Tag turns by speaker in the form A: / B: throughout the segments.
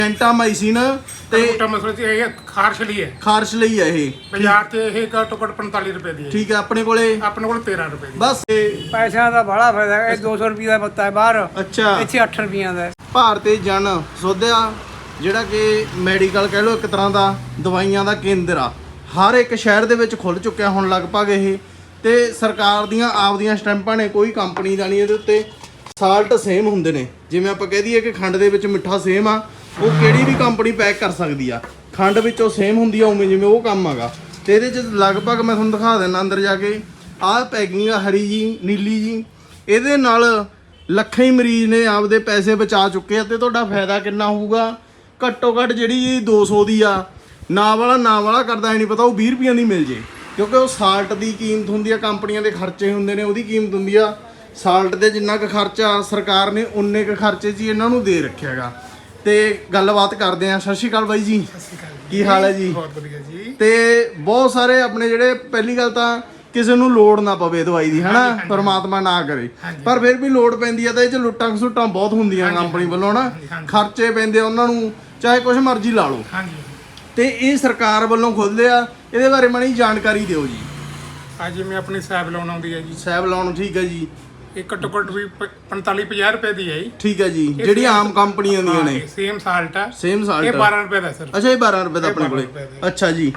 A: ਜੈਂਟਾਮਾਈਸਿਨ ਤੇ
B: ਮਸਲਾ ਜੀ ਇਹ ਖਾਰਸ਼ ਲਈ ਹੈ।
A: ਖਾਰਸ਼ ਲਈ ਹੈ ਇਹ।
B: ਬਾਜ਼ਾਰ ਤੇ ਇਹ ਘੱਟੋ ਘੱਟ 45 ਰੁਪਏ ਦੀ ਹੈ।
A: ਠੀਕ ਹੈ, ਆਪਣੇ ਕੋਲ
B: 13 ਰੁਪਏ ਦੀ।
A: ਬਸ
C: ਪੈਸਿਆਂ ਦਾ ਬੜਾ ਫਾਇਦਾ ਹੈ। 200 ਰੁਪਏ ਦਾ ਪੱਤਾ ਹੈ ਬਾਹਰ,
A: ਅੱਛਾ
C: ਇੱਥੇ 8 ਰੁਪਈਆਂ ਦਾ ਹੈ।
A: ਭਾਰਤੀ ਜਨ ਸੋਧਿਆ ਜਿਹੜਾ ਕਿ ਮੈਡੀਕਲ ਕਹਿ ਲਓ ਇੱਕ ਤਰ੍ਹਾਂ ਦਾ ਦਵਾਈਆਂ ਦਾ ਕੇਂਦਰ ਆ, ਹਰ ਇੱਕ ਸ਼ਹਿਰ ਦੇ ਵਿੱਚ ਖੁੱਲ ਚੁੱਕਿਆ ਹੁਣ ਲਗਭਗ ਇਹ। ਤੇ ਸਰਕਾਰ ਦੀਆਂ ਆਪਦੀਆਂ ਸਟੈਂਪਾਂ ਨੇ, ਕੋਈ ਕੰਪਨੀ ਦਾ ਨਹੀਂ ਇਹਦੇ ਉੱਤੇ। ਸਾਲਟ ਸੇਮ ਹੁੰਦੇ ਨੇ, ਜਿਵੇਂ ਆਪਾਂ ਕਹਿ ਦਈਏ ਕਿ ਖੰਡ ਦੇ ਵਿੱਚ ਮਿੱਠਾ ਸੇਮ ਆ, ਉਹ ਕਿਹੜੀ ਵੀ ਕੰਪਨੀ ਪੈਕ ਕਰ ਸਕਦੀ ਆ। ਖੰਡ ਵਿੱਚੋਂ ਸੇਮ ਹੁੰਦੀ ਆ ਉਵੇਂ ਜਿਵੇਂ ਉਹ ਕੰਮ ਹੈਗਾ। ਤੇ ਇਹਦੇ 'ਚ ਲਗਭਗ ਮੈਂ ਤੁਹਾਨੂੰ ਦਿਖਾ ਦਿੰਦਾ ਅੰਦਰ ਜਾ ਕੇ, ਆਹ ਪੈਕਿੰਗ ਆ ਹਰੀ ਜੀ ਨੀਲੀ ਜੀ, ਇਹਦੇ ਨਾਲ ਲੱਖਾਂ ਹੀ ਮਰੀਜ਼ ਨੇ ਆਪਦੇ ਪੈਸੇ ਬਚਾ ਚੁੱਕੇ ਆ। ਤੇ ਤੁਹਾਡਾ ਫਾਇਦਾ ਕਿੰਨਾ ਹੋਊਗਾ? ਘੱਟੋ ਘੱਟ ਜਿਹੜੀ 200 ਦੀ ਆ, ਨਾ ਵਾਲਾ ਕਰਦਾ ਨਹੀਂ ਪਤਾ, ਉਹ 20 ਰੁਪਈਆਂ ਦੀ ਮਿਲ ਜੇ। ਕਿਉਂਕਿ ਉਹ ਸਾਲਟ ਦੀ ਕੀਮਤ ਹੁੰਦੀ ਆ, ਕੰਪਨੀਆਂ ਦੇ ਖਰਚੇ ਹੁੰਦੇ ਨੇ, ਉਹਦੀ ਕੀਮਤ ਹੁੰਦੀ ਆ। ਸਾਲਟ ਦੇ ਜਿੰਨਾ ਕੁ ਖਰਚਾ ਸਰਕਾਰ ਨੇ ਉਨੇ ਕੁ ਖਰਚੇ 'ਚ ਹੀ ਇਹਨਾਂ ਨੂੰ ਦੇ ਰੱਖਿਆ ਹੈਗਾ। ਤੇ ਗੱਲਬਾਤ ਕਰਦੇ ਆ। ਸਤਿ ਸ਼੍ਰੀ ਅਕਾਲ ਬਾਈ ਜੀ।
B: ਸਤਿ ਸ਼੍ਰੀ ਅਕਾਲ।
A: ਕੀ ਹਾਲ ਹੈ ਜੀ?
B: ਬਹੁਤ ਵਧੀਆ ਜੀ।
A: ਤੇ ਬਹੁਤ ਸਾਰੇ ਆਪਣੇ ਜਿਹੜੇ, ਪਹਿਲੀ ਗੱਲ ਤਾਂ ਕਿਸੇ ਨੂੰ ਲੋੜ ਨਾ ਪਵੇ ਦਵਾਈ ਦੀ, ਹਨਾ, ਪਰਮਾਤਮਾ ਨਾ ਕਰੇ, ਪਰ ਫਿਰ ਵੀ ਲੋੜ ਪੈਂਦੀ ਆ। ਤਾਂ ਇਹ 'ਚ ਲੁੱਟਾਂ ਖਸੁੱਟਾਂ ਬਹੁਤ ਹੁੰਦੀਆਂ ਕੰਪਨੀ ਵੱਲੋਂ ਨਾ, ਖਰਚੇ ਪੈਂਦੇ ਉਹਨਾਂ ਨੂੰ, ਚਾਹੇ ਕੁਛ ਮਰਜ਼ੀ ਲਾ ਲਓ। ਤੇ ਇਹ ਸਰਕਾਰ ਵੱਲੋਂ ਖੁੱਲ੍ਹਦੇ ਆ, ਇਹਦੇ ਬਾਰੇ ਮਾੜੀ ਜਾਣਕਾਰੀ ਦਿਓ ਜੀ।
B: ਅੱਜ ਜਿਵੇਂ ਆਪਣੀ ਸੈਬ ਲਾਉਣ ਆਉਂਦੀ ਹੈ ਜੀ,
A: ਸੈਬ ਲਾਉਣ, ਠੀਕ ਹੈ ਜੀ।
B: ਇਹ ਘੱਟੋ ਘੱਟ ਵੀ 45-50 ਰੁਪਏ ਦੀ ਹੈ ਜੀ।
A: ਠੀਕ ਹੈ ਜੀ, ਜਿਹੜੀ ਆਮ ਕੰਪਨੀਆਂ ਦੀਆਂ ਨੇ।
B: ਸੇਮ ਸਾਲਟ ਆ,
A: ਸੇਮ ਸਾਲਟ,
B: ਇਹ 12 ਰੁਪਏ ਦਾ ਸਰ।
A: ਅੱਛਾ, ਇਹ 12 ਰੁਪਏ ਦਾ ਆਪਣੇ ਕੋਲੇ। ਅੱਛਾ ਜੀ।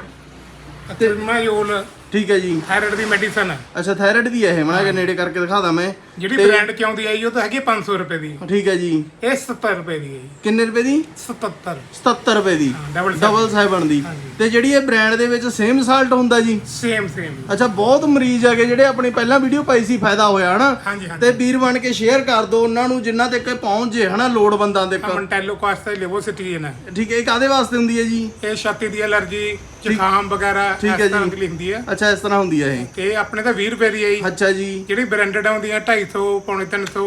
B: ਤੇ ਮੈਯੋਲ
A: ਠੀਕ ਹੈ ਜੀ।
B: ਥਾਇਰਾਇਡ ਦੀ ਮੈਡੀਸਨ ਹੈ।
A: ਅੱਛਾ, ਥਾਇਰਾਇਡ ਦੀ ਹੈ ਇਹ। ਮਣਾ ਕੇ ਨੇੜੇ ਕਰਕੇ ਦਿਖਾਦਾ ਮੈਂ।
B: ਜਿਹੜੀ ਬ੍ਰਾਂਡ ਚ ਆਉਂਦੀ ਹੈ ਉਹ ਤਾਂ ਹੈਗੀ 500 ਰੁਪਏ ਦੀ।
A: ਠੀਕ ਹੈ ਜੀ।
B: ਇਹ 70 ਰੁਪਏ ਦੀ ਹੈ ਜੀ।
A: ਕਿੰਨੇ ਰੁਪਏ ਦੀ?
B: 77
A: 77 ਰੁਪਏ ਦੀ। ਡਬਲ 7 ਦੀ। ਤੇ ਜਿਹੜੀ ਇਹ ਬ੍ਰਾਂਡ ਦੇ ਵਿੱਚ ਸੇਮ ਸਾਲਟ ਹੁੰਦਾ ਜੀ?
B: ਸੇਮ।
A: ਅੱਛਾ, ਬਹੁਤ ਮਰੀਜ਼ ਹੈਗੇ ਜਿਹੜੇ ਆਪਣੀ ਪਹਿਲਾਂ ਵੀਡੀਓ ਪਾਈ ਸੀ, ਫਾਇਦਾ ਹੋਇਆ ਹਨਾ। ਤੇ ਵੀਰ ਬਣ ਕੇ ਸ਼ੇਅਰ ਕਰ ਦਿਓ ਉਹਨਾਂ ਨੂੰ ਜਿਨ੍ਹਾਂ ਤੱਕ ਪਹੁੰਚ ਜੇ, ਹਨਾ, ਲੋੜਵੰਦਾਂ ਦੇ।
B: ਮੰਟੈਲੋ ਕਾਸਟਾ ਲਿਵੋਸਿਟੀਨ ਹੈ।
A: ਠੀਕ ਹੈ। ਇਹ ਕਾਦੇ ਵਾਸਤੇ ਹੁੰਦੀ ਹੈ ਜੀ?
B: ਇਹ ਛਾਤੀ ਦੀ ਐਲਰਜੀ, ਜ਼ੁਕਾਮ ਵਗੈਰਾ
A: ਠੀਕ ਹੈ ਜੀ,
B: ਲਈ ਹੁੰਦੀ ਹੈ।
A: ਅੱਛਾ, ਇਸ ਤਰ੍ਹਾਂ ਹੁੰਦੀ ਹੈ ਇਹ।
B: ਤੇ ਆਪਣੇ ਤਾਂ 20 ਰੁਪਏ ਦੀ ਹੈ ਜੀ।
A: ਅੱਛਾ ਜੀ।
B: ਜਿਹੜੀ ਬ੍ਰਾਂਡਡ ਆਉਂਦੀ ਹੈ 250, ਪੌਣੇ 300,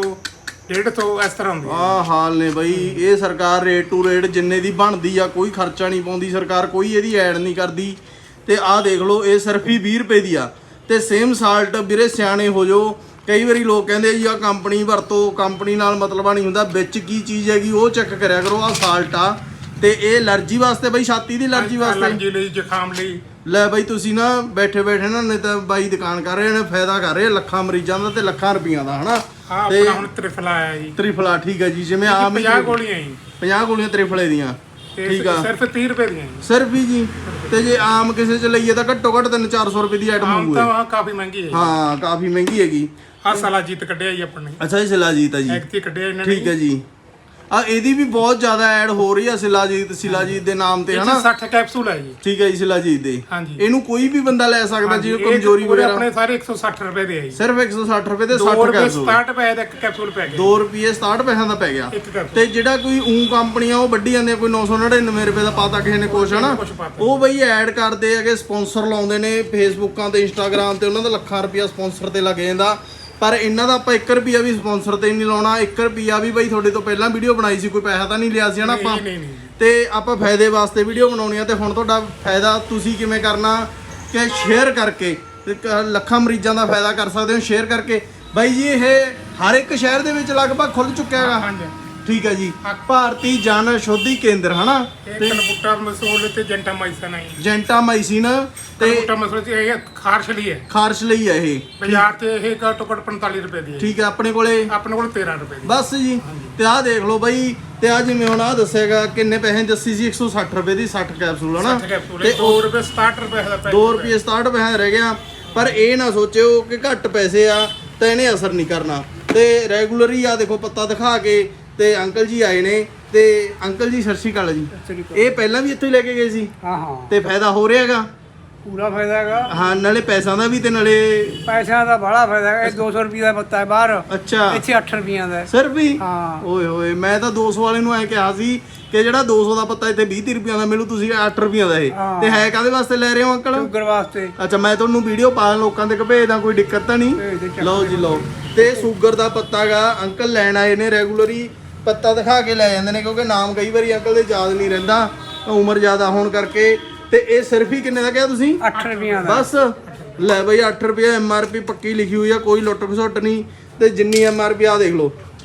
B: 150 ਇਸ ਤਰ੍ਹਾਂ ਹੁੰਦੀ ਹੈ।
A: ਆਹ ਹਾਲ ਨੇ ਬਈ। ਇਹ ਸਰਕਾਰ ਰੇਟ ਟੂ ਰੇਟ ਜਿੰਨੇ ਦੀ ਬਣਦੀ ਆ, ਕੋਈ ਖਰਚਾ ਨਹੀਂ ਪਾਉਂਦੀ ਸਰਕਾਰ, ਕੋਈ ਇਹਦੀ ਐਡ ਨਹੀਂ ਕਰਦੀ। ਤੇ ਆਹ ਦੇਖ ਲਓ, ਇਹ ਸਿਰਫ ਹੀ 20 ਰੁਪਏ ਦੀ ਆ। ਤੇ ਸੇਮ ਸਾਲਟ, ਵੀਰੇ ਸਿਆਣੇ ਹੋ ਜਾਓ। ਕਈ ਵਾਰੀ ਲੋਕ ਕਹਿੰਦੇ ਜੀ ਆਹ ਕੰਪਨੀ ਵਰਤੋ, ਕੰਪਨੀ ਨਾਲ ਮਤਲਬ ਨਹੀਂ ਹੁੰਦਾ, ਵਿੱਚ ਕੀ ਚੀਜ਼ ਹੈਗੀ ਉਹ ਚੈੱਕ ਕਰਿਆ ਕਰੋ। ਆਹ ਸਾਲਟ ਆ, ਤੇ ਇਹ ਐਲਰਜੀ ਵਾਸਤੇ ਬਈ, ਛਾਤੀ ਦੀ ਐਲਰਜੀ ਵਾਸਤੇ,
B: ਐਲਰਜੀ ਲਈ, ਜ਼ੁਕਾਮ ਲਈ।
A: ਲੈ ਬਈ, ਤੁਸੀਂ ਨਾ ਬੈਠੇ ਨਾ, ਨਹੀਂ ਤਾਂ ਬਾਈ ਦੁਕਾਨ ਕਰ ਰਹੇ ਨੇ, ਫਾਇਦਾ ਕਰ ਰਹੇ ਲੱਖਾਂ ਮਰੀਜ਼ਾਂ ਦਾ ਤੇ ਲੱਖਾਂ ਰੁਪਈਆਂ ਦਾ, ਹਨਾ।
B: ਤੇ ਹੁਣ ਤ੍ਰਿਫਲਾ ਆਇਆ ਜੀ।
A: ਤ੍ਰਿਫਲਾ, ਠੀਕ ਹੈ ਜੀ। ਜਿਵੇਂ ਆਮ
B: 50 ਗੋਲੀਆਂ ਜੀ।
A: 50 ਗੋਲੀਆਂ ਤ੍ਰਿਫਲੇ ਦੀਆਂ, ਠੀਕ ਆ।
B: ਸਿਰਫ 30 ਰੁਪਏ ਦੀਆਂ ਜੀ।
A: ਸਿਰਫ ਹੀ ਜੀ। ਤੇ ਜੇ ਆਮ ਕਿਸੇ ਚ ਲਈਏ ਤਾਂ ਘੱਟੋ ਘੱਟ 300-400 ਰੁਪਏ ਦੀ ਆਈਟਮ ਹੋਊਗੀ।
B: ਤਾਂ ਕਾਫੀ ਮਹਿੰਗੀ ਹੈ।
A: ਹਾਂ, ਕਾਫੀ ਮਹਿੰਗੀ ਹੈਗੀ।
B: ਆਹ ਸਲਾਜੀਤ ਕੱਢਿਆ ਜੀ ਆਪਣੇ।
A: ਅੱਛਾ, ਇਹ ਸਿਲਾਜੀਤ ਆ ਜੀ।
B: ਐਕਟੀ ਕੱਢਿਆ ਇਹਨਾਂ ਨੇ।
A: ਠੀਕ ਹੈ ਜੀ। ਆ ਇਹਦੀ ਵੀ ਬਹੁਤ ਜ਼ਿਆਦਾ ਐਡ ਹੋ ਰਹੀ ਆ, ਸਿਲਾਜੀਤ ਦੇ ਨਾਮ ਤੇ, ਹਨਾ।
B: 60 ਕੈਪਸੂਲ ਹੈ ਜੀ।
A: ਠੀਕ ਹੈ ਜੀ, ਸਿਲਾਜੀਤ ਦੇ। ਇਹਨੂੰ ਕੋਈ ਵੀ ਬੰਦਾ ਲੈ ਸਕਦਾ ਜਿਹਨੂੰ ਕਮਜ਼ੋਰੀ ਵਗੈਰਾ।
B: ਆਪਣੇ ਸਾਰੇ 160 ਰੁਪਏ ਦੇ ਆ ਜੀ।
A: ਸਿਰਫ 160 ਰੁਪਏ ਦੇ 60 ਕੈਪਸੂਲ।
B: 2 ਰੁਪਏ ਦਾ ਇੱਕ ਕੈਪਸੂਲ ਪੈ ਗਿਆ।
A: 2 ਰੁਪਏ 67 ਪੈਸਿਆਂ ਦਾ ਪੈ ਗਿਆ। ਤੇ ਜਿਹੜਾ ਕੋਈ ਕੰਪਨੀ ਆ ਉਹ ਵੱਡੀ ਜਾਂਦੇ ਆ, ਕੋਈ 999 ਰੁਪਏ ਦਾ ਪਾਤਾ ਕਿਸੇ ਨੇ ਕੁਛ, ਹਨਾ। ਉਹ ਬਈ ਐਡ ਕਰਦੇ ਹੈਗੇ, ਸਪਾਂਸਰ ਲਾਉਂਦੇ ਨੇ ਫੇਸਬੁੱਕਾਂ ਤੇ, ਇੰਸਟਾਗ੍ਰਾਮ ਤੇ, ਉਹਨਾਂ ਦਾ ਲੱਖਾਂ ਰੁਪਇਆ ਸਪਾਂਸਰ ਤੇ ਲੱਗ ਜਾਂਦਾ। ਪਰ ਇਹਨਾਂ ਦਾ ਆਪਾਂ 1 ਰੁਪਿਆ ਵੀ ਸਪਾਂਸਰ ਤੇ ਨਹੀਂ ਲਾਉਣਾ। 1 ਰੁਪਿਆ ਵੀ ਬਈ ਤੁਹਾਡੇ ਤੋਂ ਪਹਿਲਾਂ ਵੀਡੀਓ ਬਣਾਈ ਸੀ, ਕੋਈ ਪੈਸਾ ਤਾਂ ਨਹੀਂ ਲਿਆ ਸੀ, ਹਨਾ ਆਪਾਂ। ਤੇ ਆਪਾਂ ਫਾਇਦੇ ਵਾਸਤੇ ਵੀਡੀਓ ਬਣਾਉਣੀ ਆ। ਤੇ ਹੁਣ ਤੁਹਾਡਾ ਫਾਇਦਾ ਤੁਸੀਂ ਕਿਵੇਂ ਕਰਨਾ ਕਿ ਸ਼ੇਅਰ ਕਰਕੇ ਲੱਖਾਂ ਮਰੀਜ਼ਾਂ ਦਾ ਫਾਇਦਾ ਕਰ ਸਕਦੇ ਹੋ, ਸ਼ੇਅਰ ਕਰਕੇ। ਬਾਈ ਜੀ, ਇਹ ਹਰ ਇੱਕ ਸ਼ਹਿਰ ਦੇ ਵਿੱਚ ਲਗਭਗ ਖੁੱਲ ਚੁੱਕਿਆ ਹੈਗਾ। ਠੀਕ ਹੈ ਜੀ। ਭਾਰਤੀ ਜਨ ਸ਼ੋਧੀ ਕੇਂਦਰ, ਹਨਾ।
B: ਤੇ ਕਲਬੂਟਾ ਮਸੂਲ ਤੇ ਜੈਂਟਾਮਾਈਸਿਨ ਹੈ।
A: ਜੈਂਟਾਮਾਈਸਿਨ ਤੇ
B: ਕਲਬੂਟਾ ਮਸੂਲ ਤੇ ਇਹ ਖਾਰਸ਼ ਲਈ ਹੈ।
A: ਖਾਰਸ਼ ਲਈ ਹੈ ਇਹ।
B: ਬਾਜ਼ਾਰ ਤੇ ਇਹ ਘੱਟੋ ਘੱਟ 45 ਰੁਪਏ ਦੀ ਹੈ।
A: ਠੀਕ ਹੈ, ਆਪਣੇ ਕੋਲ
B: 13 ਰੁਪਏ ਦੀ।
A: ਬਸ ਜੀ। ਤੇ ਆਹ ਦੇਖ ਲਓ ਬਾਈ, ਤੇ ਆ ਜਿਵੇਂ ਹੁਣ ਆਹ ਦੱਸੇਗਾ ਕਿੰਨੇ ਪੈਸੇ ਦੱਸੀ ਸੀ, 160 ਰੁਪਏ ਦੀ 60 ਕੈਪਸੂਲ, ਹਨਾ।
B: ਤੇ 2 ਰੁਪਏ 67 ਰੁਪਏ ਦਾ ਪੈ
A: 2 ਰੁਪਏ 67 ਪੈਸੇ ਦਾ ਰਹਿ ਗਿਆ। ਪਰ ਇਹ ਨਾ ਸੋਚਿਓ ਕਿ ਘੱਟ ਪੈਸੇ ਆ ਤਾਂ ਇਹਨੇ ਅਸਰ ਨਹੀਂ ਕਰਨਾ। ਤੇ ਰੈਗੂਲਰ ਹੀ ਆ ਦੇਖੋ, ਪੱਤਾ ਦਿਖਾ ਕੇ। ਤੇ ਅੰਕਲ ਜੀ ਆਏ ਨੇ। ਤੇ ਅੰਕਲ ਜੀ, ਸਤਿ ਸ਼੍ਰੀ ਅਕਾਲ ਜੀ। ਇਹ ਪਹਿਲਾਂ ਵੀ ਇੱਥੋਂ ਹੀ ਲੈ ਕੇ ਗਏ ਸੀ?
C: ਹਾਂ।
A: ਤੇ ਫਾਇਦਾ ਹੋ ਰਿਹਾ ਹੈਗਾ?
C: ਪੂਰਾ ਫਾਇਦਾ ਹੈਗਾ।
A: ਹਾਂ, ਨਾਲੇ ਪੈਸਿਆਂ ਦਾ ਵੀ ਤੇ ਨਾਲੇ
C: ਪੈਸਿਆਂ ਦਾ ਬੜਾ ਫਾਇਦਾ ਹੈ। 200 ਰੁਪਏ ਦਾ ਪੱਤਾ ਹੈ ਬਾਹਰ,
A: ਅੱਛਾ,
C: ਇੱਥੇ 8 ਰੁਪਈਆਂ ਦਾ।
A: ਸਿਰਫ ਹੀ?
C: ਹਾਂ।
A: ਓਏ ਹੋਏ, ਮੈਂ ਤਾਂ 200 ਵਾਲੇ ਨੂੰ ਐ ਕਿਹਾ ਸੀ ਕਿ ਜਿਹੜਾ 200 ਦਾ ਪੱਤਾ ਇੱਥੇ 20-30 ਰੁਪਈਆਂ ਦਾ ਮਿਲੂ, ਤੁਸੀਂ 8 ਰੁਪਈਆਂ ਦਾ ਇਹ। ਤੇ ਹੈ ਕਾਹਦੇ ਵਾਸਤੇ ਲੈ ਰਹੇ ਹੋ ਅੰਕਲ?
C: ਸ਼ੂਗਰ ਵਾਸਤੇ।
A: ਅੱਛਾ, ਮੈਂ ਤੁਹਾਨੂੰ ਵੀਡੀਓ ਪਾ ਲੋਕਾਂ ਦੇ ਭੇਜਦਾ, ਕੋਈ ਦਿੱਕਤ ਤਾਂ ਨਹੀਂ? ਲਓ ਜੀ, ਲਓ। ਤੇ ਸ਼ੂਗਰ ਦਾ ਪੱਤਾ ਗਾ ਅੰਕਲ ਲੈਣ ਆਏ ਨੇ। ਰੈਗੂਲਰੀ ਪੱਤਾ ਦਿਖਾ ਕੇ ਲੈ ਜਾਂਦੇ ਨੇ, ਕਿਉਂਕਿ ਨਾਮ ਕਈ ਵਾਰੀ ਅੰਕਲ ਦੇ ਯਾਦ ਨਹੀਂ ਰਹਿੰਦਾ, ਉਮਰ ਜ਼ਿਆਦਾ ਹੋਣ ਕਰਕੇ। ਤੇ ਇਹ ਸਿਰਫ ਹੀ ਕਿੰਨੇ ਦਾ ਕਿਹਾ ਤੁਸੀਂ?
C: 8 ਰੁਪਈਆਂ ਦਾ।
A: ਬਸ ਲੈ ਬਈ, 8 ਰੁਪਏ MRP ਪੱਕੀ ਲਿਖੀ ਹੋਈ ਆ, ਕੋਈ ਲੁੱਟ ਖਸੁੱਟ ਨਹੀਂ। ਤੇ ਜਿੰਨੀ MRP ਆ ਦੇਖ ਲਓ,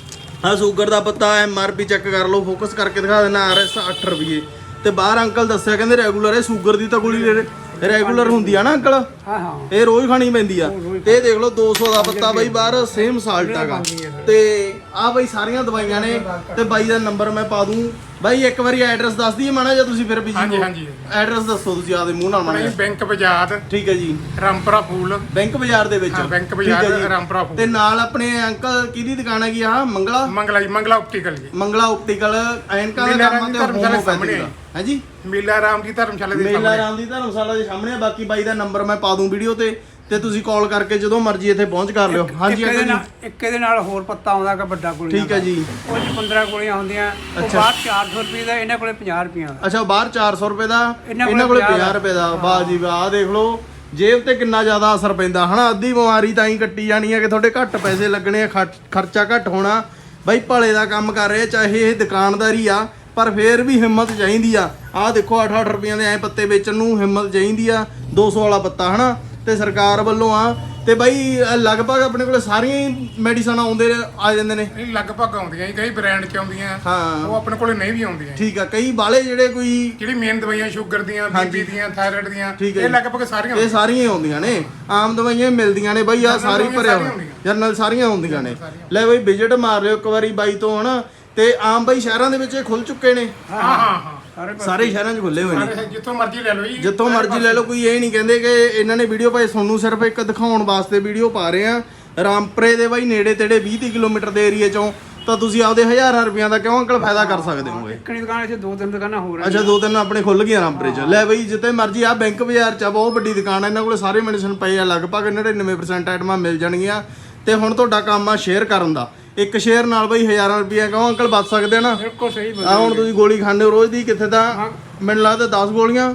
A: ਆ ਸ਼ੂਗਰ ਦਾ ਪੱਤਾ MRP ਚੈੱਕ ਕਰ ਲਓ, ਫੋਕਸ ਕਰਕੇ ਦਿਖਾ ਦੇਣਾ RS 8 ਰੁਪਏ। ਤੇ ਬਾਹਰ ਅੰਕਲ ਦੱਸਿਆ ਕਹਿੰਦੇ ਰੈਗੂਲਰ ਹੈ, ਸ਼ੂਗਰ ਦੀ ਤਾਂ ਗੋਲੀ ਰੈਗੂਲਰ ਹੁੰਦੀ ਆ ਨਾ ਅੰਕਲ,
C: ਹਾਂ ਹਾਂ
A: ਇਹ ਰੋਜ਼ ਖਾਣੀ ਪੈਂਦੀ ਆ। ਤੇ ਇਹ ਦੇਖ ਲਓ 200 ਦਾ ਪੱਤਾ ਬਾਈ ਬਾਹਰ ਸੇਮ ਸਾਲਟ ਹੈਗਾ। ਤੇ ਆ ਬਾਈ ਸਾਰੀਆਂ ਦਵਾਈਆਂ ਨੇ ਤੇ ਬਾਈ ਦਾ ਨੰਬਰ ਮੈਂ ਪਾ ਦੂੰ। ਬਾਈ ਇੱਕ ਵਾਰੀ ਐਡਰੈਸ ਦੱਸ ਦਈਏ ਮਾੜਾ ਜਿਹਾ, ਤੁਸੀਂ ਫਿਰ ਬਿਜੀ
B: ਹਾਂਜੀ
A: ਹੋ।
B: ਹਾਂਜੀ
A: ਐਡਰੈਸ ਦੱਸੋ ਤੁਸੀਂ ਆਦੇ ਮੂੰਹ ਨਾਲ ਮਾੜਾ
B: ਆਪਣੀ
A: ਜਿਹਾ।
B: ਬੈਂਕ ਬਾਜ਼ਾਰ
A: ਠੀਕ ਹੈ ਜੀ,
B: ਰਾਮਪੁਰਾ ਫੂਲ।
A: ਬੈਂਕ ਬਾਜ਼ਾਰ ਦੇ ਵਿੱਚ।
B: ਹਾਂ, ਬੈਂਕ
A: ਠੀਕ
B: ਬਾਜ਼ਾਰ,
A: ਹੈ ਜੀ।
B: ਰਾਮਪੁਰਾ ਫੂਲ।
A: ਤੇ ਨਾਲ ਆਪਣੇ ਅੰਕਲ ਕਿਹਦੀ ਦੁਕਾਨ ਹੈਗੀ ਆ? ਮੰਗਲਾ
B: ਮੰਗਲਾ ਆਪਟੀਕਲ ਜੀ,
A: ਮੰਗਲਾ ਆਪਟੀਕਲ ਐਨਕਾਂ ਦਾ
B: ਮੇਲਾ
A: ਕੰਮ
B: ਰਾਮ
A: ਤੇ
B: ਦੀ ਧਰਮਸ਼ਾਲਾ
A: ਹੋਮੋਪੈਥੀ
B: ਸਾਹਮਣੇ
A: ਦਾ ਹੈ ਜੀ।
B: ਮੇਲਾ ਰਾਮ ਦੀ ਧਰਮਸ਼ਾਲਾ ਦੇ
A: ਮੇਲਾ
B: ਸਾਹਮਣੇ।
A: ਰਾਮ ਦੀ ਧਰਮਸ਼ਾਲਾ ਦੇ ਸਾਹਮਣੇ। ਬਾਕੀ ਬਾਈ ਦਾ ਨੰਬਰ ਮੈਂ ਪਾ ਦੂੰ ਵੀਡੀਓ ਤੇ ਤੁਸੀਂ ਕਾਲ ਕਰਕੇ ਜਦੋਂ ਮਰਜ਼ੀ ਇੱਥੇ ਪਹੁੰਚ ਕਰ ਲਿਓ। ਹਾਂਜੀ ਅੰਕਲ ਜੀ।
C: ਇੱਕ ਇਹਦੇ ਨਾਲ ਹੋਰ ਪੱਤਾ ਆਉਂਦਾ ਕਿ ਵੱਡਾ ਗੋਲੀਆਂ
A: ਠੀਕ ਹੈ ਜੀ।
C: ਉਹ 'ਚ 15 ਗੋਲੀਆਂ ਹੁੰਦੀਆਂ, ਉਹ
A: ਅੱਛਾ।
C: ਬਾਹਰ 400 ਰੁਪਏ ਦਾ, ਇਹਨਾਂ ਕੋਲੇ 50 ਰੁਪਏ ਦਾ।
A: ਅੱਛਾ, ਬਾਹਰ 400 ਰੁਪਏ ਦਾ,
C: ਇਹਨਾਂ
A: ਇਹਨਾਂ
C: ਕੋਲੇ
A: ਕੋਲੇ 50 ਰੁਪਏ ਦਾ। ਵਾਹ ਜੀ ਵਾਹ, ਆਹ ਦੇਖ ਲਓ ਜੇਬ ਤੇ ਕਿੰਨਾ ਜ਼ਿਆਦਾ ਅਸਰ ਪੈਂਦਾ ਹਨਾ। ਅੱਧੀ ਬਿਮਾਰੀ ਤਾਂ ਹੀ ਕੱਟੀ ਜਾਣੀ ਹੈ ਕਿ ਤੁਹਾਡੇ ਘੱਟ ਪੈਸੇ ਲੱਗਣੇ ਆ, ਖਰਚਾ ਘੱਟ ਹੋਣਾ। ਬਾਈ ਭਲੇ ਦਾ ਕੰਮ ਕਰ ਰਹੇ, ਚਾਹੇ ਇਹ ਦੁਕਾਨਦਾਰੀ ਆ, ਪਰ ਫੇਰ ਵੀ ਹਿੰਮਤ ਚਾਹੀਦੀ ਆ। ਆਹ ਦੇਖੋ 8-8 ਰੁਪਈਆਂ ਦੇ ਐ ਪੱਤੇ ਵੇਚਣ ਨੂੰ ਹਿੰਮਤ ਚਾਹੀਦੀ ਆ। 200 ਵਾਲਾ ਪੱਤਾ ਹਨਾ, ਤੇ ਸਰਕਾਰ ਵੱਲੋਂ ਆ। ਤੇ ਬਾਈ ਲਗਭਗ ਆਪਣੇ ਕੋਲੇ ਸਾਰੀਆਂ ਹੀ ਮੈਡੀਸਨ ਆਉਂਦੇ ਆ ਜਾਂਦੇ ਨੇ।
B: ਇਹ ਲਗਭਗ ਆਉਂਦੀਆਂ ਜੀ, ਕਈ ਬ੍ਰਾਂਡ ਚ ਆਉਂਦੀਆਂ,
A: ਹਾਂ
B: ਉਹ ਆਪਣੇ ਕੋਲੇ ਨਹੀਂ ਵੀ ਆਉਂਦੀਆਂ।
A: ਠੀਕ ਆ, ਕਈ ਬਾਲੇ ਜਿਹੜੇ ਕੋਈ
B: ਜਿਹੜੀ ਮੇਨ ਦਵਾਈਆਂ ਸ਼ੂਗਰ ਦੀਆਂ, ਬੀਪੀ ਦੀਆਂ, ਥਾਇਰਾਇਡ ਦੀਆਂ,
A: ਠੀਕ ਹੈ
B: ਇਹ
A: ਜੀ।
B: ਲਗਭਗ ਸਾਰੀਆਂ
A: ਇਹ ਸਾਰੀਆਂ ਹੀ ਆਉਂਦੀਆਂ ਨੇ, ਆਮ ਦਵਾਈਆਂ ਹੀ ਮਿਲਦੀਆਂ ਨੇ ਬਾਈ। ਆ ਸਾਰੀ ਭਰਿਆ ਹੋਇਆ ਜਰਨਲ ਸਾਰੀਆਂ ਹੁੰਦੀਆਂ ਨੇ। ਲੈ ਬਾਈ ਵਿਜ਼ਿਟ ਮਾਰ ਲਿਓ ਇੱਕ ਵਾਰੀ ਬਾਈ ਤੋਂ ਹਨਾ। ਤੇ ਆਮ ਬਾਈ ਸ਼ਹਿਰਾਂ ਦੇ ਵਿੱਚ ਇਹ ਖੁੱਲ ਚੁੱਕੇ ਨੇ,
B: ਹਾਂ ਹਾਂ ਹਾਂ,
A: ਸਾਰੇ ਸ਼ਹਿਰਾਂ 'ਚ ਖੁੱਲੇ ਹੋਏ ਨੇ।
B: ਸਾਰੇ ਜਿੱਥੋਂ ਮਰਜ਼ੀ ਲੈ ਲਓ ਜੀ,
A: ਜਿੱਥੋਂ ਮਰਜ਼ੀ ਲੈ ਲਓ। ਕੋਈ ਇਹ ਨਹੀਂ ਕਹਿੰਦੇ ਕਿ ਇਹਨਾਂ ਨੇ ਵੀਡੀਓ ਭਾਈ ਤੁਹਾਨੂੰ ਸਿਰਫ ਇੱਕ ਦਿਖਾਉਣ ਵਾਸਤੇ ਵੀਡੀਓ ਪਾ ਰਹੇ ਆ। ਰਾਮਪੁਰੇ ਦੇ ਬਾਈ ਨੇੜੇ ਤੇੜੇ 20 ਕਿਲੋਮੀਟਰ ਦੇ ਏਰੀਏ 'ਚੋਂ ਤਾਂ ਤੁਸੀਂ ਆਪਦੇ ਹਜ਼ਾਰਾਂ ਰੁਪਈਆਂ ਦਾ ਕਿਉਂ ਅੰਕਲ ਫਾਇਦਾ ਕਰ ਸਕਦੇ ਹੋਗੇ।
C: ਇੱਕ ਦੁਕਾਨ ਇੱਥੇ 2-3 ਦੁਕਾਨਾਂ ਹੋਰ ਆ।
A: ਅੱਛਾ, 2-3 ਆਪਣੇ ਖੁੱਲ ਗਈਆਂ ਰਾਮਪੁਰੇ 'ਚ। ਲੈ ਬਈ ਜਿੱਥੇ ਮਰਜ਼ੀ ਆ ਬੈਂਕ ਬਾਜ਼ਾਰ 'ਚ ਬਹੁਤ ਵੱਡੀ ਦੁਕਾਨ ਆ, ਇਹਨਾਂ ਕੋਲੇ ਸਾਰੇ ਮੈਡੀਸਨ ਪਏ ਆ। ਲਗਭਗ 99% ਆਈਟਮਾਂ ਮਿਲ ਜਾਣਗੀਆਂ। ਤੇ ਹੁਣ ਤੁਹਾਡਾ ਕੰਮ ਆ ਸ਼ੇਅਰ ਕਰਨ ਦਾ। ਇੱਕ ਸ਼ੇਅਰ ਨਾਲ ਬਈ ਹਜ਼ਾਰਾਂ ਰੁਪਈਆ ਕਿਉਂ ਅੰਕਲ ਬਚ ਸਕਦੇ ਆ ਨਾ।
C: ਬਿਲਕੁਲ ਸਹੀ
A: ਆ ਹੁਣ ਤੁਸੀਂ ਗੋਲੀ ਖਾਂਦੇ ਹੋ ਰੋਜ਼ ਦੀ, ਕਿੱਥੇ ਤਾਂ ਮੈਨੂੰ ਲੱਗਦਾ 10 ਗੋਲੀਆਂ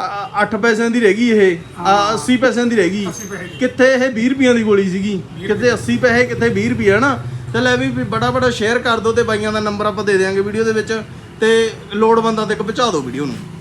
A: 8 ਪੈਸਿਆਂ ਦੀ ਰਹਿ ਗਈ, ਇਹ 80 ਪੈਸਿਆਂ ਦੀ ਰਹਿ ਗਈ। ਕਿੱਥੇ ਇਹ 20 ਰੁਪਈਆਂ ਦੀ ਗੋਲੀ ਸੀਗੀ, ਕਿੱਥੇ 80 ਪੈਸੇ, ਕਿੱਥੇ 20 ਰੁਪਏ ਹਨਾ। ਤੇ ਲੈ ਵੀ ਬੜਾ ਸ਼ੇਅਰ ਕਰ ਦਿਓ ਤੇ ਬਾਈਆਂ ਦਾ ਨੰਬਰ ਆਪਾਂ ਦੇ ਦਿਆਂਗੇ ਵੀਡੀਓ ਦੇ ਵਿੱਚ। ਤੇ ਲੋੜਵੰਦਾਂ ਤੱਕ ਪਹੁੰਚਾ ਦਿਓ ਵੀਡੀਓ ਨੂੰ।